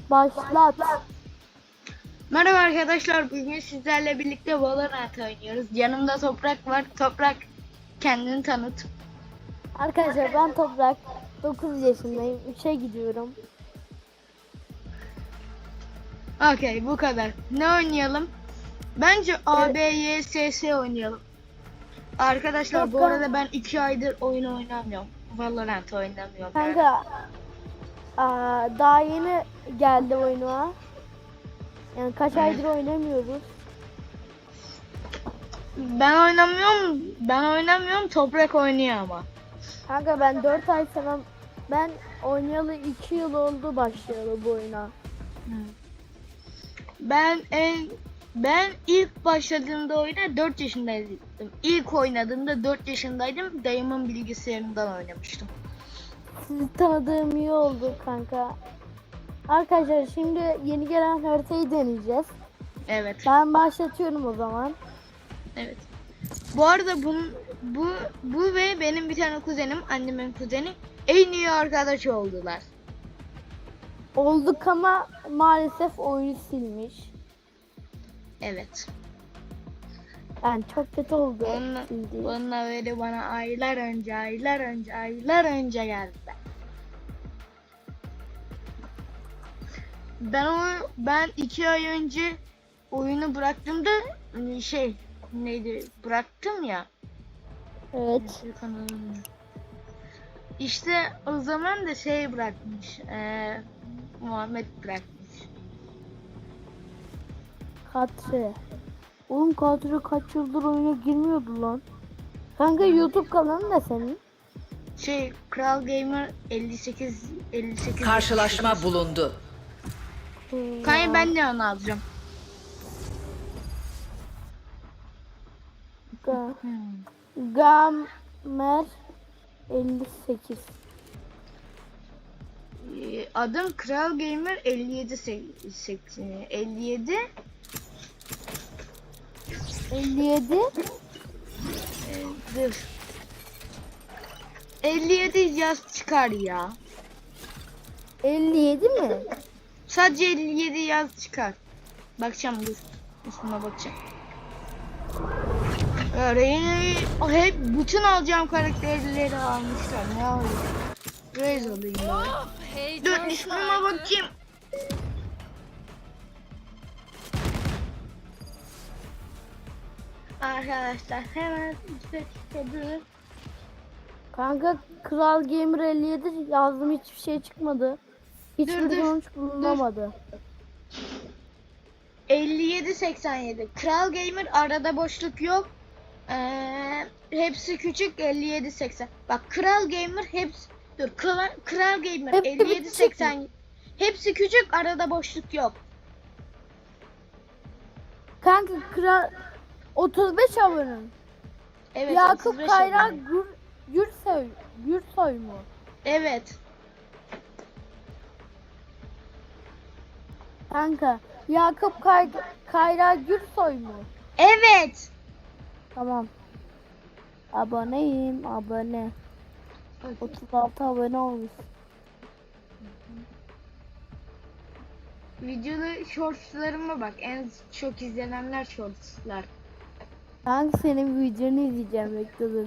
Başlat. Merhaba arkadaşlar, bugün sizlerle birlikte Valorant oynuyoruz. Yanımda Toprak var. Toprak, kendini tanıt. Arkadaşlar ben Toprak. 9 yaşındayım. 3'e gidiyorum. Okey, bu kadar. Ne oynayalım? Bence ABYSS oynayalım. Arkadaşlar bu arada ben 2 aydır oyun oynamıyorum. Valorant oynamıyorum. Yani. Kanka daha yeni geldi oyuna. Yani kaç aydır oynamıyoruz. Ben oynamıyorum. Toprak oynuyor ama. Kanka ben 4 ay falan ben oynayalı 2 yıl oldu başlayalı bu oyuna. Ben ilk başladığımda oyuna 4 yaşındaydım. İlk oynadığımda 4 yaşındaydım. Dayımın bilgisayarından oynamıştım. Sizi tanıdığım iyi oldu kanka. Arkadaşlar şimdi yeni gelen haritayı deneyeceğiz. Evet. Ben başlatıyorum o zaman. Evet. Bu arada bu ve benim bir tane kuzenim, annemin kuzeni en iyi arkadaş oldular. Olduk ama maalesef oyunu silmiş. Evet. Yani çok kötü oldu. Onunla böyle bana aylar önce geldi. Ben 2 ay önce oyunu bıraktığımda bıraktım ya. Evet. İşte o zaman da bırakmış. Muhammed bırakmış. Katre. Oğlum Katre kaç yıldır oyuna girmiyordu lan. Kanka YouTube kanalın da senin. Kral Gamer 58. Karşılaşma bulundu. Kanka ben de onu alacağım. Gamer 58. Adım Kral Gamer 57 57 57. Dur. 57 yaz çıkar ya. 57 mi? Sadece 57 yaz çıkar. Bakacağım, dur. Üstüne bakacağım. Öyle hep bütün alacağım karakterleri almışlar. Ne oluyor? Raze alayım ben. Dur ismime bakayım. Arkadaşlar hemen dur. Kanka Kral Gamer 57 yazdım, hiçbir şey çıkmadı. Hiçbir sonuç bulunamadı. 57-87. Kral Gamer arada boşluk yok. Hepsi küçük 57-80. Bak Kral Gamer hepsi Kral Gamer 57-80. Hepsi küçük, arada boşluk yok. Kanka Kral 35 abone. Evet. Yakup Kayra Gürsoy mu? Evet. Kanka Yakup Kayra Gürsoy mu? Evet. Tamam. Aboneyim, abone. 36 abone olmuş. Videoda shortslarıma bak. En çok izlenenler shortslar. Kanka senin videonu izleyeceğim, bekle dur.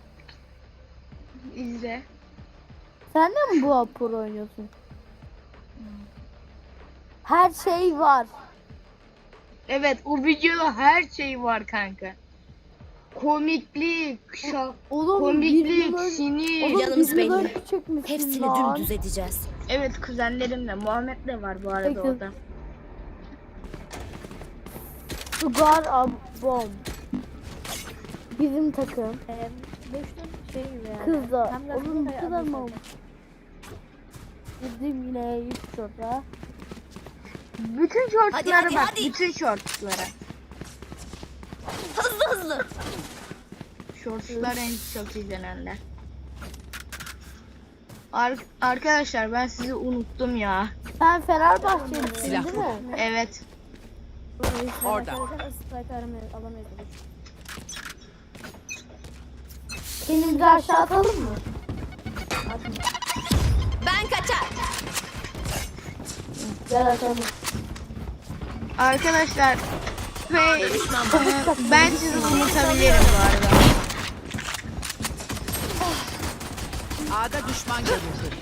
İzle. Sen de mi bu apur oynuyorsun? Her şey var. Evet, o videoda her şey var kanka. Komiklik, Oğlum, komiklik, sinir. Yanımız belli. Hepsini Hepsini dümdüz edeceğiz. Evet, kuzenlerimle. Muhammed de var bu arada Peki. orada. Sugar Abom. Bizim takım. Kızlar. Oğlum bu kadar mı olmuş? Bizim yine 3 şurada. Bütün shortslara Hadi, bak, hadi. bütün shortslara. Hızlı. Shortslar en çok izlenenler. Arkadaşlar ben sizi unuttum ya. Sen Fenerbahçelisin Silah. değil mi? Evet. Orada. Elimizi aşağı atalım mı? Ben kaçar. Gel atalım. Arkadaşlar ben sizi unutabilirim bu arada. A'da düşman görüldü.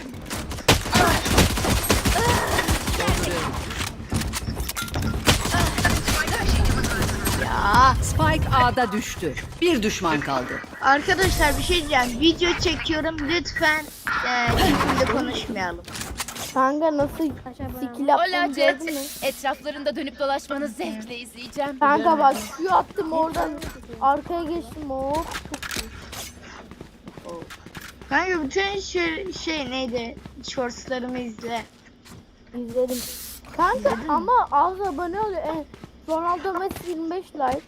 Ya Spike A'da düştü. Bir düşman kaldı. arkadaşlar bir şey diyeceğim. Video çekiyorum. Lütfen kimle konuşmayalım. Kanka nasıl skill Hola yaptığını Jet. gördün mü? Etraflarında dönüp dolaşmanı zevkle izleyeceğim. Kanka bak şu attım oradan arkaya geçtim hop. Kanka bütün şey neydi? Shortslarımı izle. İzledim. Kanka ama az abone oluyor. Ronaldo Messi 25 like.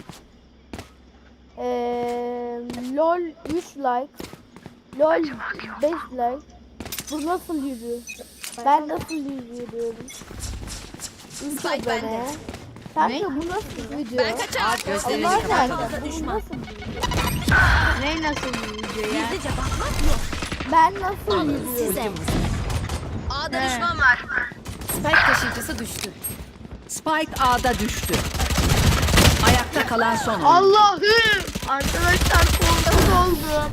LOL 3 like. LOL 5 like. Bu nasıl yürüyor? Ben nasıl yürüyorum? 3 Spike bende. abone. Kanka bu nasıl video? Ben kaçar. Gözlerini Allah kapat. kanka bu nasıl video? Ne nasıl bir video ya? Gizlice bakmak yok. Ben nasıl yürüyorum? Size. A'da düşman var. Spike taşıyıcısı düştü. Spike A'da düştü. Ayakta kalan son oyuncu. Allah'ım! Arkadaşlar korkuz oldum.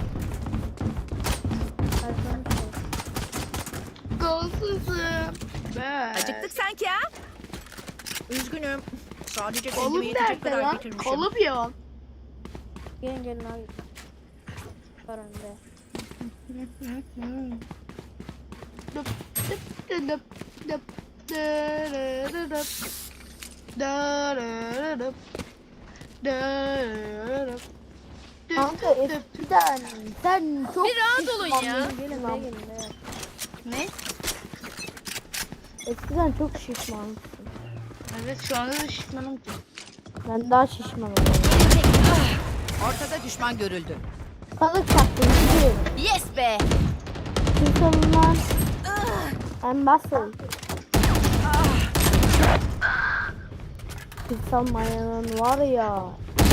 Golsuzum. Acıktık sanki ha? Üzgünüm. Sadece Kolum kendime yetecek nerede kadar lan? getirmişim. Kolum yok. Gelin gelin abi. Var önde. Dıp dıp dıp dıp dırırırıp. Dırırırıp. Dırırırıp. Dıp Kanka dıp dıp. eskiden sen çok Bir rahat olun ya. şişmandın. Gelin lan. Ne? Eskiden çok şişmansın. Evet şu anda da şişmanım ki. Ben daha şişmanım. Ortada düşman görüldü. Kalık çaktım gidiyorum. Yes be. Kimsenin lan. En basıl. İnsan mayanın var ya.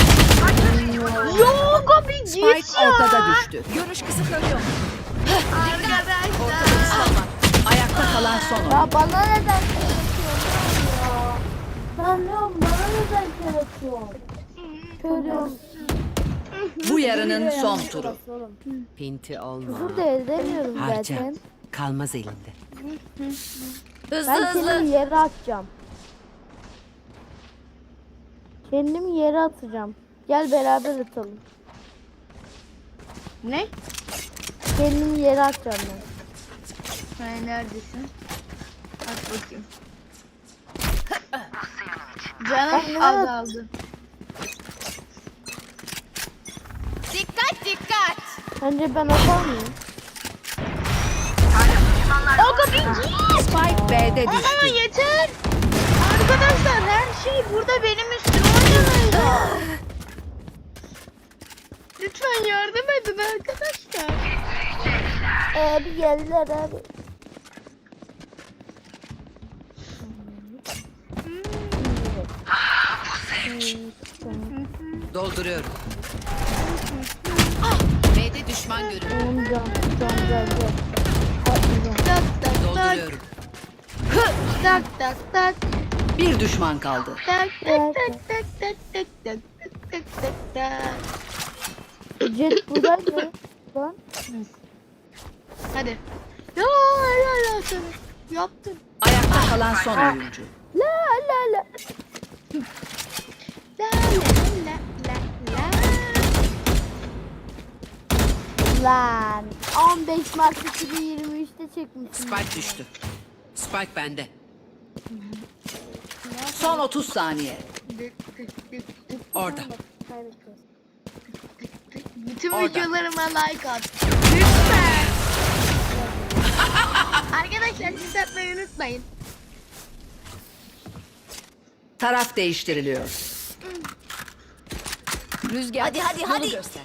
Yok abi git Spike ya. ortada düştü. Görüş kısıtlanıyor. Arkadaşlar. Ayakta kalan son oyuncu. Ya bana neden yaratıyorsun ya? Ben diyorum bana neden yaratıyorsun? Körüm. Bu yarının son turu. Pinti olma. Küfür de edemiyorum Harca. zaten. Kalmaz elinde. Hızlı Ben hızlı. kendimi yere atacağım. Kendimi yere atacağım. Gel beraber atalım. Ne? Kendimi yere atacağım ben. Sen neredesin? At bakayım. Canım Ben azaldı. Dikkat dikkat. Bence ben atar mıyım? Spike B'de Ama düştü. yeter. Arkadaşlar her şey burada benim üstüme oynamayın. Lütfen yardım edin arkadaşlar. Bir geldiler abi. Dolduruyorum. B'de düşman görüldü. Can geldi. Atlayacağım. Tak tak tak. Dolduruyorum. Tak tak tak. Bir düşman kaldı. Tak tak tak tak tak tak tak tak tak tak. Jet buradaydı. Lan. Hadi. Ya helal olsun. Yaptın. Ayakta kalan son oyuncu. La la la. La la la la la. Lan 15 Mart 2023'te çekmişsin. Spike düştü. Spike bende. Son 30 saniye. Orada. Bütün Orada. videolarıma like at. Lütfen. Arkadaşlar siz atmayı unutmayın. Taraf değiştiriliyor. Rüzgar. Hadi hadi. Göster.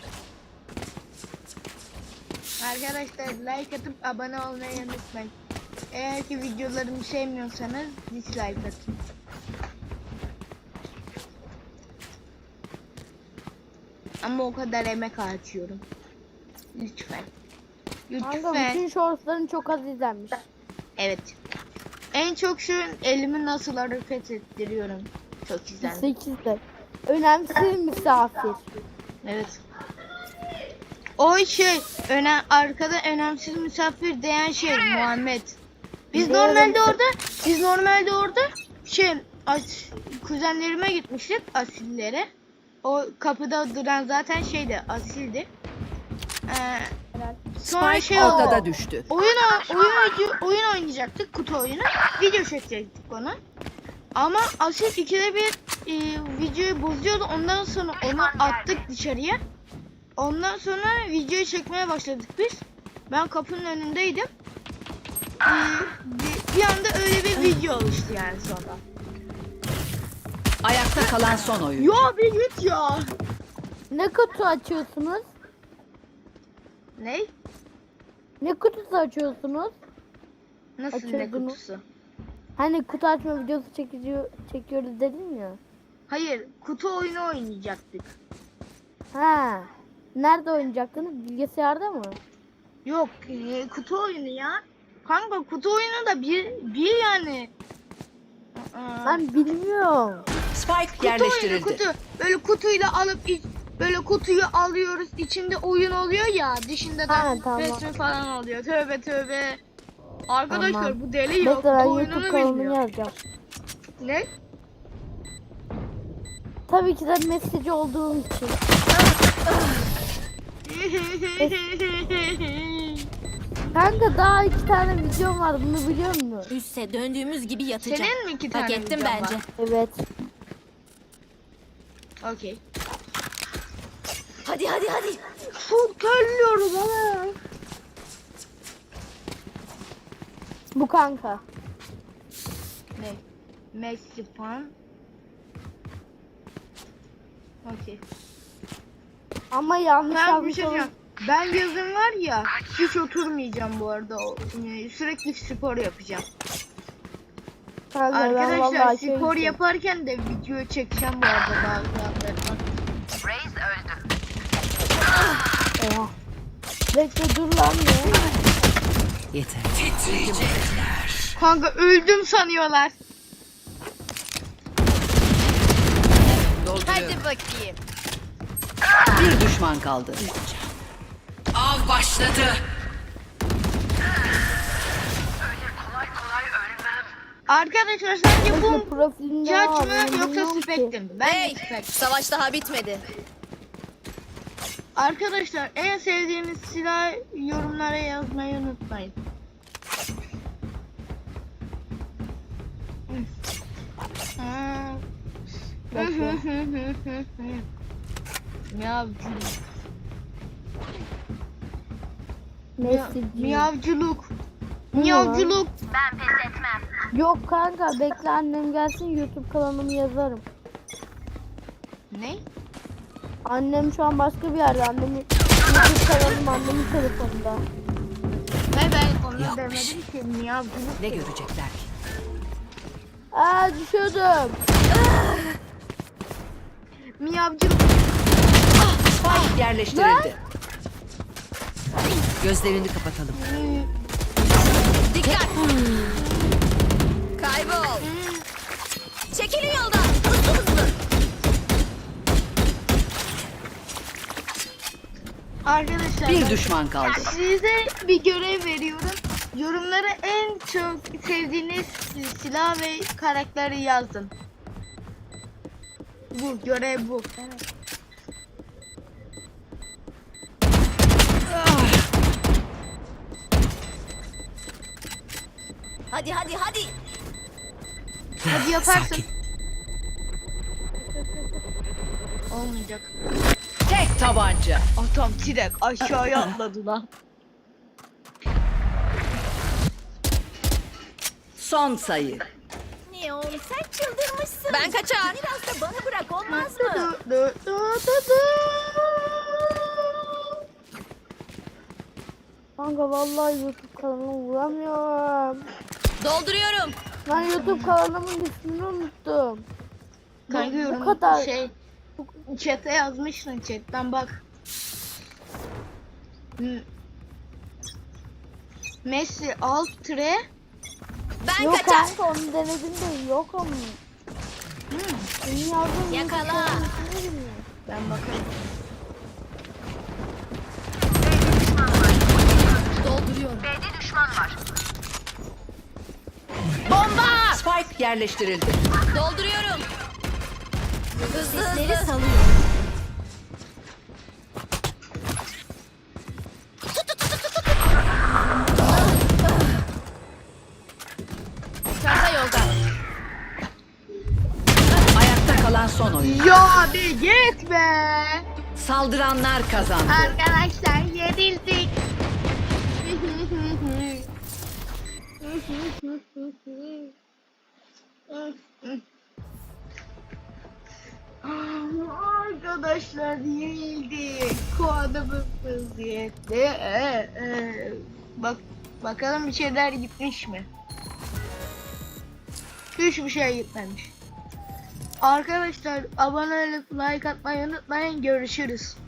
Arkadaşlar like atıp abone olmayı unutmayın. Eğer ki videolarımı sevmiyorsanız dislike atın. Ama o kadar emek harcıyorum. Lütfen. Kanka Lütfen. bütün shortsların çok az izlenmiş. Evet. En çok şu elimi nasıl hareket ettiriyorum. Çok güzel. 8'de. Önemsiz misafir. Evet. O şey arkada önemsiz misafir diyen şey Muhammed. Biz Evet. normalde orada şey kuzenlerime gitmiştik asillere. O kapıda duran zaten şeydi asildi. Sonra Spike şey oldu. ortada düştü. Oyun oynayacaktık, kutu oyunu. Video çekecektik onu. Ama Asil ikide bir videoyu bozuyordu. Ondan sonra onu attık dışarıya. Ondan sonra videoyu çekmeye başladık biz. Ben kapının önündeydim. Bir anda öyle bir video oluştu yani sonra. Ayakta kalan son oyun. Ya bir git ya. Ne kutu açıyorsunuz? Ne? Ne kutusu açıyorsunuz? Nasıl ne Açıyordunuz. kutusu? Hani kutu açma videosu çekiyoruz dedin ya. Hayır, kutu oyunu oynayacaktık. Ha. Nerede oynayacaktınız? Bilgisayarda mı? Yok, kutu oyunu ya. Kanka kutu oyunu da bir yani. Ben bilmiyorum. Spike Kutu yerleştirildi. oyunu, kutu. Böyle kutuyla alıp böyle kutuyu alıyoruz. İçinde oyun oluyor ya. Dışında da Ha, tamam. resmi falan oluyor. Tövbe tövbe. Arkadaşlar Tamam. bu deli yok. Bekle ben Bu YouTube oyununu kanalımı bilmiyor. yazacağım. Ne? Tabii ki de mesajı olduğum için. Kanka daha 2 tane videom var, bunu biliyor musun? Üste döndüğümüz gibi yatacak. Senin mi 2 tane Hak ettim videon bence. var? Evet. Okey. Hadi hadi hadi. Çok terliyorum ama. Bu kanka. Ne? Messi fan. Okey. Ama yanlış Ben bir yazmış şey olabilir. diyeceğim. Ben yazın var ya hiç oturmayacağım bu arada. Sürekli spor yapacağım. Kanka, ben Arkadaşlar vallahi spor yapıyorum. yaparken de video çekeceğim bu arada bazılarından. Oha. Bekle dur lan ne? Yeter. Kanka öldüm sanıyorlar. Hadi bakayım. Bir düşman kaldı. Av başladı. Arkadaşlar sence Bekle bu profilinde Judge var. mı ben yoksa bilmiyorum ki. Spectre mi? Ben Hey, Spectre. savaş daha bitmedi. Arkadaşlar en sevdiğiniz silah yorumlara yazmayı unutmayın. Bekle. Miyavcılık. Mesajı. Miyavcılık. Bu ne Miyavcılık. Yok kanka bekle annem gelsin YouTube kanalımı yazarım. Ne? Annem şu an başka bir yerde. Annemin YouTube kanalım annemin telefonunda. Ben onu Yok. demedim ki miyavcılık. Ne görecekler ki? Aa düşüyordum. Miyavcılık. Spike yerleştirildi. Gözlerini kapatalım. Dikkat. Kaybol. Çekilin yoldan. Hızlı hızlı. Arkadaşlar Bir ben düşman kaldı. size bir görev veriyorum. Yorumlara en çok sevdiğiniz silah ve karakteri yazın. Bu görev bu. Hadi hadi hadi. Hadi yaparsın. Sakin. Olmayacak. Tek tabanca. Atam direkt aşağıya atladı lan. Son sayı. Niye oğlum sen çıldırmışsın. Ben kaçar. Biraz da bana bırak olmaz mı? Kanka vallahi YouTube kanalımı vuramıyorum. Dolduruyorum. Ben YouTube kanalımın ismini unuttum. Kanka Bu yorum kadar. şey chat'e yazmışsın chat'ten bak. Messi alt tire Ben Yok kaçar. kanka onu denedim de yok ama. Senin yazdığın Yakala. Ben bakarım. Dolduruyorum. Bomba! Spike yerleştirildi. Dolduruyorum. Hızlı Sesleri hızlı. salıyorum. Çanta yolda. Ayakta kalan son oyun. Ya bir git be. Saldıranlar kazandı. Arkadaşlar yenildik. Arkadaşlar yenildik. Puanımız yetti. Bak bakalım bir şeyler gitmiş mi? Hiçbir şey gitmemiş. Arkadaşlar abone olup like atmayı unutmayın. Görüşürüz.